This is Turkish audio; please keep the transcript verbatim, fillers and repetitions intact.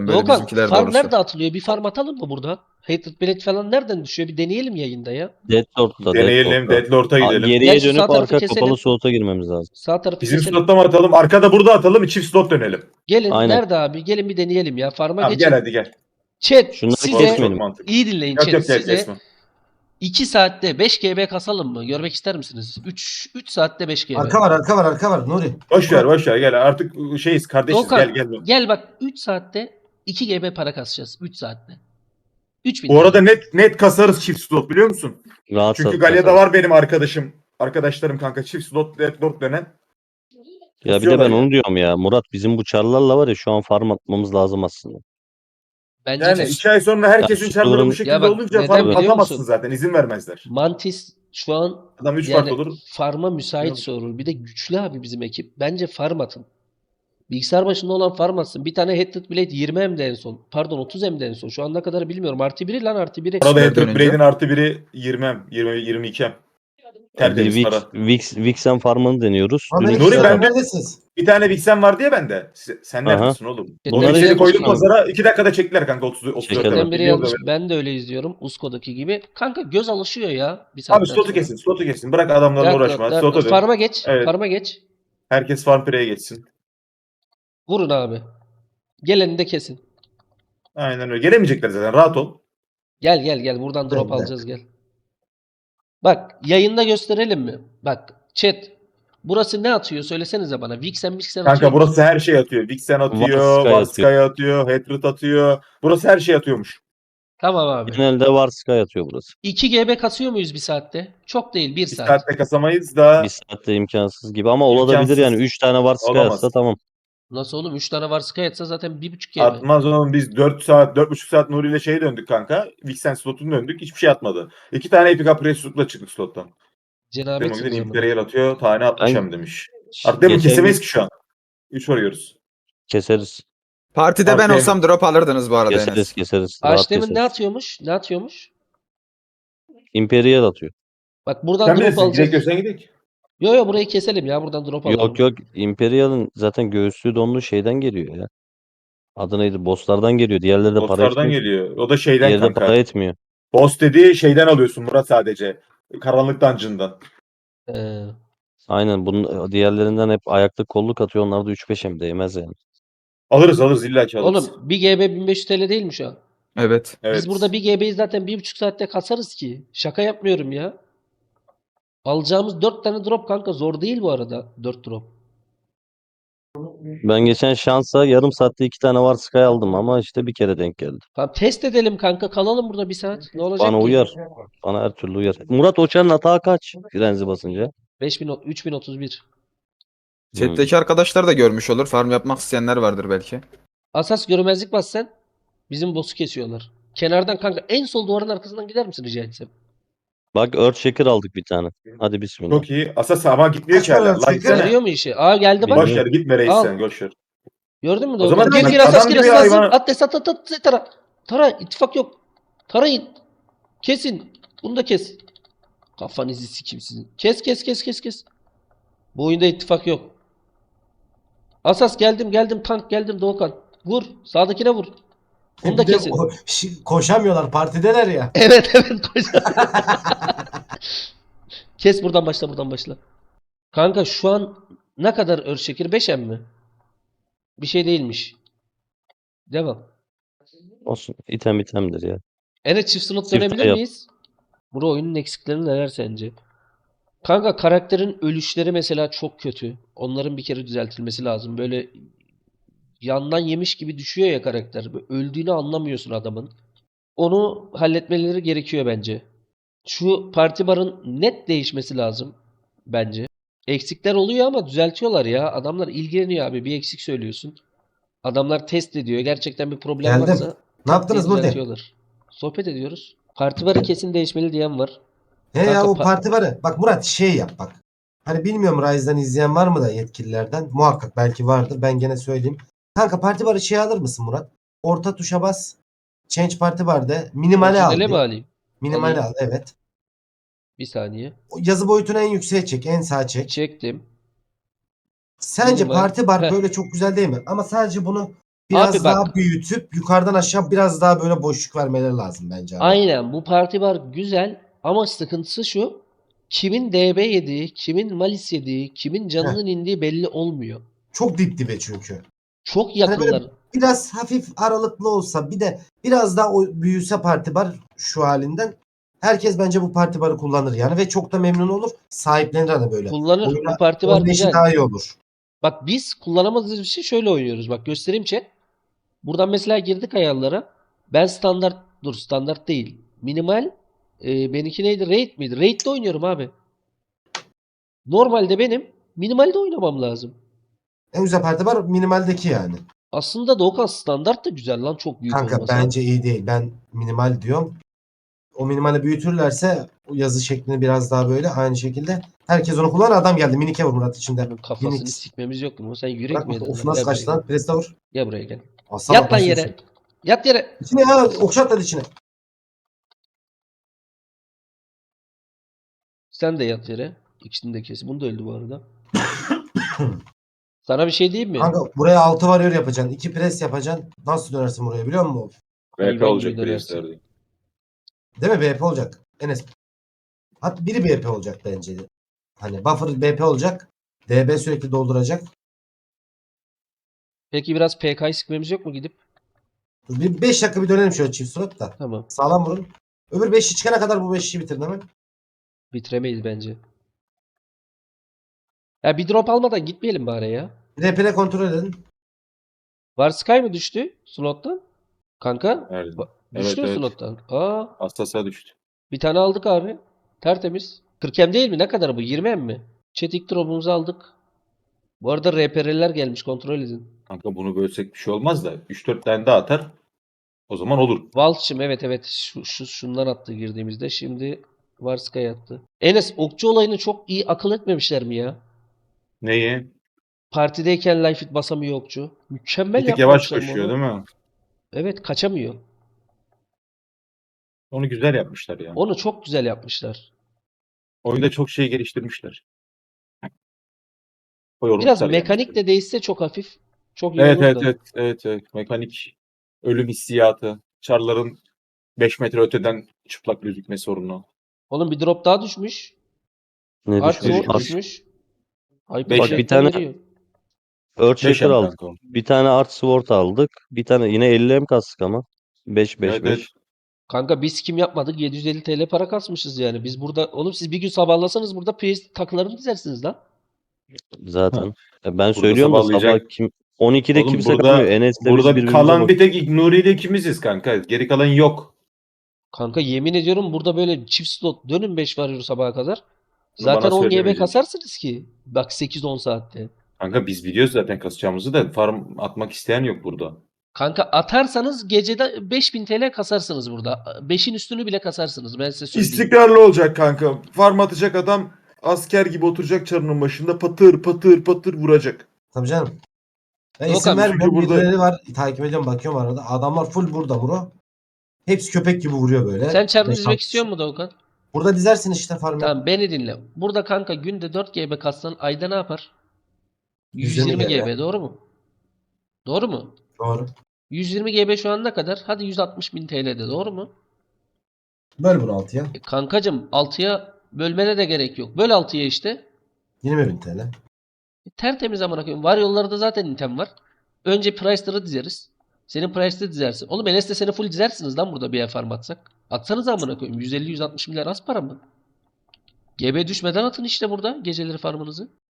diyorum böyle Doğukan bizimkiler farm doğrusu. nerede atılıyor? Bir farm atalım mı buradan? Hatred Blade falan nereden düşüyor? Bir deneyelim yayında ya. Deadlord'da, Deneyelim. Deadlord'da. Deadlord'a A- gidelim. Gel Geriye şu sağ dönüp tarafı arka keselim. kapalı slota girmemiz lazım. Sağ tarafı Bizim keselim. slotta mı atalım? Arkada burada atalım. Çift slot dönelim. Gelin. Aynen. Nerede abi? Gelin bir deneyelim ya. Farm'a Tamam geçin. gel hadi gel. Chat Şunları size Çok kesmeyelim. mantıklı. iyi dinleyin Yok chat. yok gel Size kesme. iki saatte beş G B kasalım mı? Görmek ister misiniz? üç üç saatte beş G B. Arka var arka var arka var Nuri. Boş ver boş ver gel. Artık şeyiz kardeşiz. Doğukan, Gel gel. gel bak üç saatte iki G B para kasacağız. üç saatte. üç bin Bu arada net net kasarız çift slot biliyor musun? Rahat Çünkü sat- Galya'da kasarız. var benim arkadaşım. Arkadaşlarım kanka çift slot Deadlord dönen. Ya bir de Kesiyorlar ben ya. onu diyorum ya. Murat bizim bu çarlarla var ya şu an farm atmamız lazım aslında. Bence Yani de. iki ay sonra herkesin Ya, çarları Store'un- bu şekilde Ya bak, olunca neden farm biliyor atamazsın musun? zaten. İzin vermezler. Mantis şu an Adam üç yani fark olur. farma müsait sorul. Bir de güçlü abi bizim ekip. Bence farm atın. Bilgisayar başında olan farm atsın. Bir tane Hatred Blade yirmi M'de en son. Pardon otuz M'de en son. Şu ana kadar bilmiyorum. Artı biri lan artı biri. Arada Süper Hatred dönünce. Blade'in artı biri yirmi M. yirmi yirmi iki M. Bir Tertemiz Vix, para. Vix, Vixen farmını deniyoruz. Amerika Dün Nuri, iki ben adam- de- neredesiniz? Bir tane Vixen var diye bende. Se- Sen Aha. neredesin oğlum? Bunları Onu izledik seni koyduk bakalım. pazara. iki dakikada çektiler kanka otuz otuz Çekelim. kadar. Chatten biri Biliyorum yazmış. da Ben de öyle izliyorum. Usko'daki gibi. Kanka göz alışıyor ya. Bir ben. saatten Abi slotu sonra. kesin. Slotu kesin. Bırak adamlarla Rahat, uğraşma. rahat, rahat. Slota dön. Farm'a geç. Evet. Farm'a geç. Herkes farm pireye geçsin. Vurun abi. Geleni de kesin. Aynen öyle. Gelemeyecekler zaten. Rahat ol. Gel gel gel. Buradan drop Evet. alacağız gel. Bak yayında gösterelim mi? Bak chat. Burası ne atıyor? Söylesenize bana. Vixen Vixen atıyor Kanka mu? burası her şey atıyor. Vixen atıyor. Varskaya Varskaya atıyor. Hatred atıyor. Burası her şey atıyormuş. Tamam abi. Genelde var Sky atıyor burası. iki G B kasıyor muyuz bir saatte? Çok değil. bir Bir saat. saatte kasamayız da Bir saatte imkansız gibi ama olabilir İmkansız. yani. üç tane var Sky Olamaz. atsa tamam. Nasıl oğlum? üç tane var Sky atsa zaten bir buçuk G B. atmaz oğlum. Biz dört saat, dört buçuk saat Nuri ile şeye döndük kanka. Vixen slotunu döndük. Hiçbir şey atmadı. İki tane Epic Apres slotla çıktık slottan. Cenabet Demek ki o zaman. Imperial atıyor. Tane altmış Ben- M demiş. Artık demin Geçen kesemeyiz gün ki şu an. üç varıyoruz. keseriz. Partide ben Partide- olsam drop alırdınız bu arada Keseriz Enes. keseriz. Rahat Aşdemin ne keseriz. atıyormuş? Ne atıyormuş? Imperial atıyor. Bak buradan Sen drop bilirsin. alacağız. Direkt görsen gidelim. Yo yo burayı keselim ya. Buradan drop alalım. Yok yok Imperial'ın zaten göğüslü donlu şeyden geliyor ya. Adı neydi? Bosslardan geliyor. Diğerleri de para Bosslardan etmiyor. geliyor. O da şeyden Diğeri de kanka. para etmiyor. Boss dediği şeyden alıyorsun Murat sadece. Karanlık dungeon'dan. Ee, Aynen bunun diğerlerinden hep ayakta kolluk atıyor. Onlar da üç beş hem değmez yani. Alırız alırız illa ki alırız. oğlum bir G B bin beş yüz T L değil mi şu an? Evet. Evet. Biz burada bir G B'yi zaten bir buçuk saatte kasarız ki. Şaka yapmıyorum ya. Alacağımız dört tane drop kanka zor değil bu arada. dört drop. Ben geçen şansa yarım saatte iki tane var Sky aldım ama işte bir kere denk geldi. Tamam test edelim kanka. Kalalım burada bir saat. Ne olacak Bana ki? uyar. Bana her türlü uyar. Murat Oçan'ın hata kaç? Frenzi basınca. beş bin, üç bin otuz bir. Chat'teki arkadaşlar da görmüş olur. Farm yapmak isteyenler vardır belki. Asas görmezlik bas sen. Bizim boss'u kesiyorlar. Kenardan kanka en sol duvarın arkasından gider misin rica etsem? Bak Earthshaker aldık bir tane. Hadi bismillah. Çok iyi. Asas ama gitmiyor Kaç ki hala. para Lan çıkıyor? gitsene. Görüyor mu işi? Aa geldi bak. Boş ver gitme reis Al. sen. Boş ver. Gördün mü? O Doğru. zaman Gir bak, gir asas adam gir gibi asas. hayvan- At des at at at at, tara. Tara ittifak yok. Tarayın. Kesin. Bunu da kes. Kafanızı sikim sizin. Kes kes kes kes kes. Bu oyunda ittifak yok. Asas geldim geldim tank geldim Doğukan. Vur. Sağdakine vur. Onu da Bir de kesin. o- şi- koşamıyorlar partideler ya. Evet evet koş. Kes buradan başla buradan başla. Kanka şu an ne kadar Earthshaker? beş M mi? Bir şey değilmiş. Devam. Olsun. İtem itemdir ya. Ene çift slot Çift dönebilir yap. miyiz? Bura oyunun eksikleri neler sence? Kanka karakterin ölüşleri mesela çok kötü. Onların bir kere düzeltilmesi lazım. Böyle yandan yemiş gibi düşüyor ya karakter. Böyle öldüğünü anlamıyorsun adamın. Onu halletmeleri gerekiyor bence. Şu parti barın net değişmesi lazım bence. Eksikler oluyor ama düzeltiyorlar ya. Adamlar ilgileniyor abi. Bir eksik söylüyorsun. Adamlar test ediyor. Gerçekten bir problem Geldim. varsa Ne yaptınız burada? düzeltiyorlar. Sohbet ediyoruz. Parti barı kesin değişmeli diyen var. He ya Kanka o pa- parti var ya. Bak Murat şey yap bak. Hani bilmiyorum Rise'dan izleyen var mı da yetkililerden. Muhakkak belki vardır. Ben gene söyleyeyim. Kanka parti barı şey alır mısın Murat? Orta tuşa bas. Change parti var de. Minimale al. Orijinale bir. mi alayım? Minimale Alayım. al evet. Bir saniye. O yazı boyutunu en yükseğe çek. En sağa çek. Çektim. Sence Minimal. parti bar Heh. böyle çok güzel değil mi? Ama sadece bunu biraz Abi daha bak. büyütüp yukarıdan aşağı biraz daha böyle boşluk vermeleri lazım bence abi. Aynen, bu parti bar güzel ama sıkıntısı şu. Kimin D B yediği, kimin malis yediği, kimin canının indiği belli olmuyor. Çok dip dibe çünkü. Çok Hani böyle yakınlar. biraz hafif aralıklı olsa bir de biraz daha o büyüse parti bar şu halinden herkes bence bu parti barı kullanır yani ve çok da memnun olur. Sahiplenir hani böyle. Kullanır. Oyuna Bu parti bar oynayışı güzel. daha iyi olur. Bak biz kullanamadığımız bir şey şöyle oynuyoruz. Bak göstereyim chat. Buradan mesela girdik ayarlara. Ben standart, dur standart değil. Minimal. E, benimki neydi? Raid miydi? Raid'de oynuyorum abi. Normalde benim minimalde oynamam lazım. En güzel parti bar minimaldeki yani. Aslında Doğukan standart da güzel lan, çok büyük Kanka olmasa. bence iyi değil. Ben minimal diyorum. O minimali büyütürlerse o yazı şeklini biraz daha böyle aynı şekilde. Herkes onu kullanır. Adam geldi. Minike vur Murat içinde. Bunun kafasını Minix. sikmemiz yok mu? Sen yürek Bırak mi yedin of lan? nasıl Gel buraya kaçtı lan? gel. Preste vur. Gel buraya gel. Aslan Yat lan basıyorsun. yere. Yat yere. İçine ya. Okşat lan içine. Sen de yat yere. İkisini de kes. Bunu da öldü bu arada. Sana bir şey diyeyim mi? Kanka buraya altı varıyor yapacaksın. iki pres yapacaksın. Nasıl dönersin buraya biliyor musun? V P Hayvan olacak gibi dönersin. priestler. Değil mi? B P olacak. Enes. Hatta biri B P olacak bence. Hani buffer B P olacak. D B sürekli dolduracak. Peki biraz P K'yı sıkmamız yok mu gidip? Dur bir beş dakika bir dönelim şöyle çift surat da. Tamam. Sağlam vurun. Öbür beşi çıkana kadar bu beşi bitirin hemen. Bitiremeyiz bence. Ya bir drop almadan gitmeyelim bari ya. R P R kontrol edin. Var Sky mı düştü slottan? Kanka. Evet. Ba- Evet, Düştü mü evet. slottan? Aa, Hassasa düştü. bir tane aldık abi. Tertemiz. kırk em değil mi? Ne kadar bu? yirmi em mi? Chat ilk drop'umuzu aldık. Bu arada R P R'ler gelmiş, kontrol edin. Kanka bunu bölsek bir şey olmaz da üç dört tane daha atar. O zaman olur. Walsh'ım evet evet şu, şu şundan attı girdiğimizde. Şimdi Varskaya attı. Enes, okçu olayını çok iyi akıl etmemişler mi ya? Neyi? Partideyken life hit basamıyor okçu. Mükemmel Bir tık yavaş yapmamışlar mı koşuyor onu? değil mi? Evet, kaçamıyor. Onu güzel yapmışlar ya. Onu çok güzel yapmışlar. Oyunda çok şey geliştirmişler. O Biraz yormuşlar yani. mekanik de değişse çok hafif. Çok iyi Evet olur evet da. evet evet evet. Mekanik ölüm hissiyatı. Çarların beş metre öteden çıplak gözükme sorunu. Oğlum bir drop daha düşmüş. Ne Art düşmüş? Sword Art- düşmüş. Hyper Beş Bak Shot'tan bir tane veriyor. Earthshaker beş em aldık. kanka o. Bir tane Art Sword aldık. Bir tane yine elli em kastık ama. beş beş Evet evet. beş. Kanka biz kim yapmadık? yedi yüz elli T L para kasmışız yani. Biz burada oğlum siz bir gün sabahlasanız burada priest takılarını dizersiniz lan. Zaten. Ya ben Burada söylüyorum da sabah sabahlayacak. kim on ikide Oğlum kimse burada kalmıyor. Enes'le biz burada birbirimize kalan bak. bir tek Nuri ile ikimiziz kanka. Geri kalan yok. Kanka yemin ediyorum burada böyle çift slot dönün beş varıyor sabaha kadar. Bunu Zaten bana on G B söylemeyeceksin. kasarsınız ki. Bak sekiz on saatte. Kanka biz biliyoruz zaten kasacağımızı da farm atmak isteyen yok burada. Kanka atarsanız gecede beş bin T L kasarsınız burada. beşin üstünü bile kasarsınız, ben size söyleyeyim. İstikrarlı olacak kanka. Farm atacak adam asker gibi oturacak çarının başında patır patır patır vuracak. Tabii canım. Ben Yok isim abi, vermiyorum. çünkü burada- Birileri var. Takip ediyorum bakıyorum arada. Adamlar full burada Muro. Hepsi köpek gibi vuruyor böyle. Sen çarını Beş, dizmek altı istiyor musun Doğukan? Burada dizersin işte farmı. Tamam beni dinle. Burada kanka günde dört G B katsan ayda ne yapar? yüz yirmi yüz yirmi G B. G B doğru mu? Doğru mu? Doğru. yüz yirmi G B şu an ne kadar? Hadi yüz altmış bin T L'de doğru mu? Böl bunu altıya. E kankacım altıya bölmene de gerek yok. Böl altıya işte. yirmi bin T L. E, tertemiz amına koyayım. Var yollarda zaten item var. Önce Price'ları dizeriz. Senin Price'ları dizersin. Oğlum Enes'te seni full dizersiniz lan burada bir yer farm atsak. Atsanız amına koyayım. yüz elli yüz altmış milyar az para mı? G B düşmeden atın işte burada geceleri farmınızı.